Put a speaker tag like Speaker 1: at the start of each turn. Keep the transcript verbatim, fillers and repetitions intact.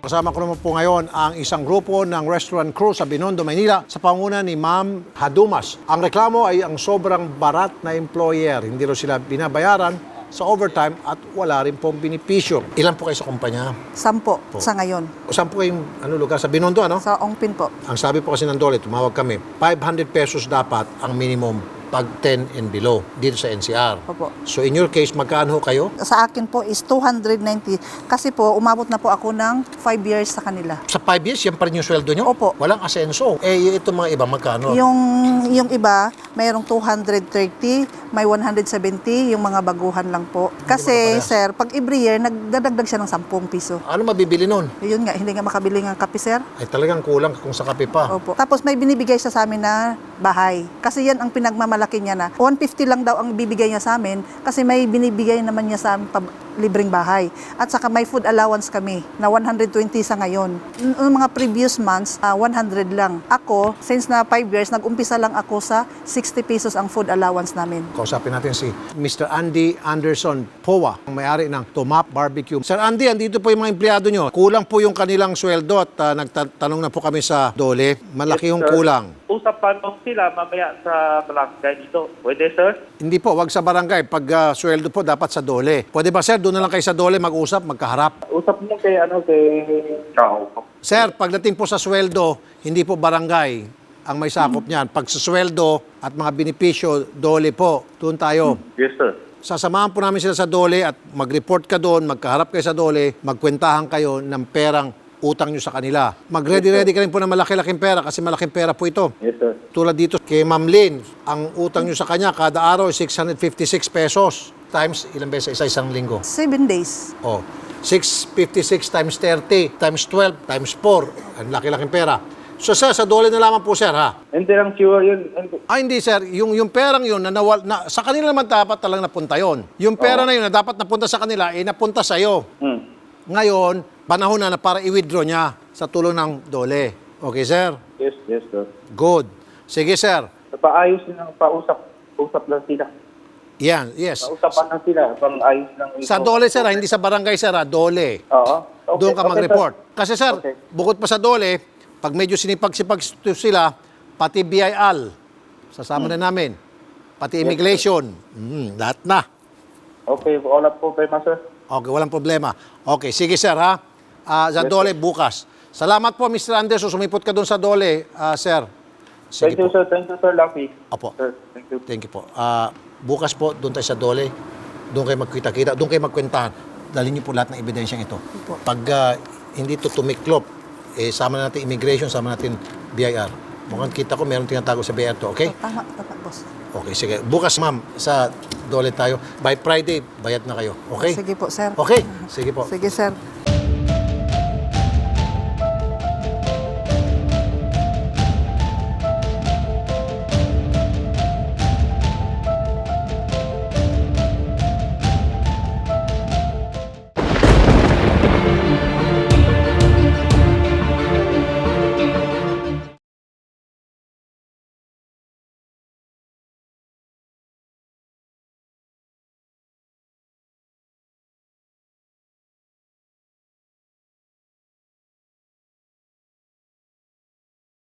Speaker 1: kasama ko naman po ngayon ang isang grupo ng restaurant crew sa Binondo, Maynila sa panguna ni Ma'am Hadumas. Ang reklamo ay ang sobrang barat na employer. Hindi rin sila binabayaran sa overtime at wala rin pong binipisyo. Ilan po kayo sa kumpanya?
Speaker 2: Sampo
Speaker 1: Po.
Speaker 2: sa ngayon.
Speaker 1: O saan po kayong ano, lugar? Sa Binondo, ano?
Speaker 2: Sa Ongpin po.
Speaker 1: Ang sabi po kasi ng Dole, tumawag kami, five hundred pesos dapat ang minimum pag ten and below dito sa N C R.
Speaker 2: Opo.
Speaker 1: So in your case, magkano ho kayo?
Speaker 2: Sa akin po is two hundred ninety. Kasi po, umabot na po ako ng five years sa kanila.
Speaker 1: Sa five years, yan pa rin yung sweldo nyo?
Speaker 2: Opo.
Speaker 1: Walang asenso. Eh, itong mga iba, magkano?
Speaker 2: Yung, yung iba, mayroong two hundred thirty, may one hundred seventy, yung mga baguhan lang po. Kasi,
Speaker 1: magkaparehas.
Speaker 2: sir, pag every year, nagdadagdag siya ng ten piso.
Speaker 1: Ano mabibili nun?
Speaker 2: Yun nga, hindi nga makabili ng kape, sir.
Speaker 1: Ay talagang kulang kung sa kape pa.
Speaker 2: Opo. Tapos may binibigay siya sa amin na bahay. Kasi yan ang pinagmamalaki niya na one fifty lang daw ang bibigay niya sa amin kasi may binibigay naman niya sa amin pa libreng bahay. At saka may food allowance kami na one hundred twenty sa ngayon. Noong mga previous months, uh, one hundred lang. Ako, since na five years, nag-umpisa lang ako sa sixty pesos ang food allowance namin.
Speaker 1: Kausapin natin si Mister Andy Anderson Powa, ang may-ari ng Tomap Barbecue. Sir Andy, andito po yung mga empleyado nyo. Kulang po yung kanilang sweldo at uh, nagtatanong na po kami sa Dole. Malaki
Speaker 3: Yes,
Speaker 1: yung
Speaker 3: sir.
Speaker 1: kulang.
Speaker 3: Usapan mo sila mamaya sa barangay dito. Pwede, sir?
Speaker 1: Hindi po, wag sa barangay. Pag uh, sweldo po, dapat sa Dole. Pwede ba, sir? Doon na lang kayo sa Dole mag-usap, magkaharap.
Speaker 3: Usap mo kay, ano, kay Kao.
Speaker 1: Sir, pagdating po sa sweldo, hindi po barangay ang may sakop niyan. Pag sa sweldo at mga benepisyo, Dole po. Doon tayo.
Speaker 3: Yes, sir.
Speaker 1: Sasamahan po namin sila sa Dole at mag-report ka doon, magkaharap kayo sa Dole, magkwentahan kayo ng perang utang nyo sa kanila. Mag-ready-ready ka rin po ng malaki-laking pera kasi malaking pera po ito.
Speaker 3: Yes, sir.
Speaker 1: Tulad dito kay Ma'am Lynn, ang utang nyo sa kanya kada araw ay six hundred fifty-six pesos times ilang beses sa isang linggo.
Speaker 2: Seven days.
Speaker 1: Oh, six hundred fifty-six times thirty times twelve times four. Ang laki-laking pera. So sir, sa Dole na lamang po sir ha.
Speaker 3: Hindi lang sure yun. Hindi.
Speaker 1: Ah, hindi sir, yung, yung perang yun, na nawal, na, sa kanila naman dapat talang napunta yon. Yung pera na yun na dapat napunta sa kanila, eh napunta sa'yo.
Speaker 3: Hmm.
Speaker 1: Ngayon, panahon na na para i-withdraw niya sa tulong ng Dole. Okay sir?
Speaker 3: Yes, yes, sir.
Speaker 1: Good. Sige sir.
Speaker 3: Paayos lang, pausap. Usap lang sila.
Speaker 1: Yan, yes.
Speaker 3: Pausapan lang sila. Pang-ayos lang.
Speaker 1: Sa Dole sir, ha, hindi sa barangay sir, ha, Dole.
Speaker 3: Oo. Okay,
Speaker 1: Doon ka
Speaker 3: okay,
Speaker 1: mag-report.
Speaker 3: sir.
Speaker 1: Kasi sir,
Speaker 3: Okay.
Speaker 1: bukod pa sa Dole, pag medyo sinipag-sipag sila, pati B I L, sasama na namin. Pati immigration, mm, lahat na.
Speaker 3: Okay, wala po kayo, sir.
Speaker 1: Okay, walang problema. Okay, sige sir ha. Ah, sa
Speaker 3: Yes,
Speaker 1: Dole, bukas. Salamat po, Mister Anderson. Sumipot ka doon sa Dole, ah, sir. Sige
Speaker 3: Thank you,
Speaker 1: po.
Speaker 3: sir. Thank you, sir, Lucky.
Speaker 1: Opo.
Speaker 3: Sir, thank you.
Speaker 1: Thank you po. Ah, bukas po, doon tayo sa Dole. Doon kayo magkita-kita. Doon kayo magkwentahan. Dalhin niyo po lahat ng ebidensyang ito.
Speaker 2: Opo.
Speaker 1: Pag ah, hindi to tumiklop, eh, sama natin immigration, sama natin B I R. Mukhang kita ko, meron tinatago sa B I R to, okay?
Speaker 2: Tama, tama, boss.
Speaker 1: Okay, sige. Bukas, ma'am, sa Dole tayo. By Friday, bayad na kayo. Okay?
Speaker 2: Sige po, sir.
Speaker 1: Okay, sige po.
Speaker 2: Sige, sir.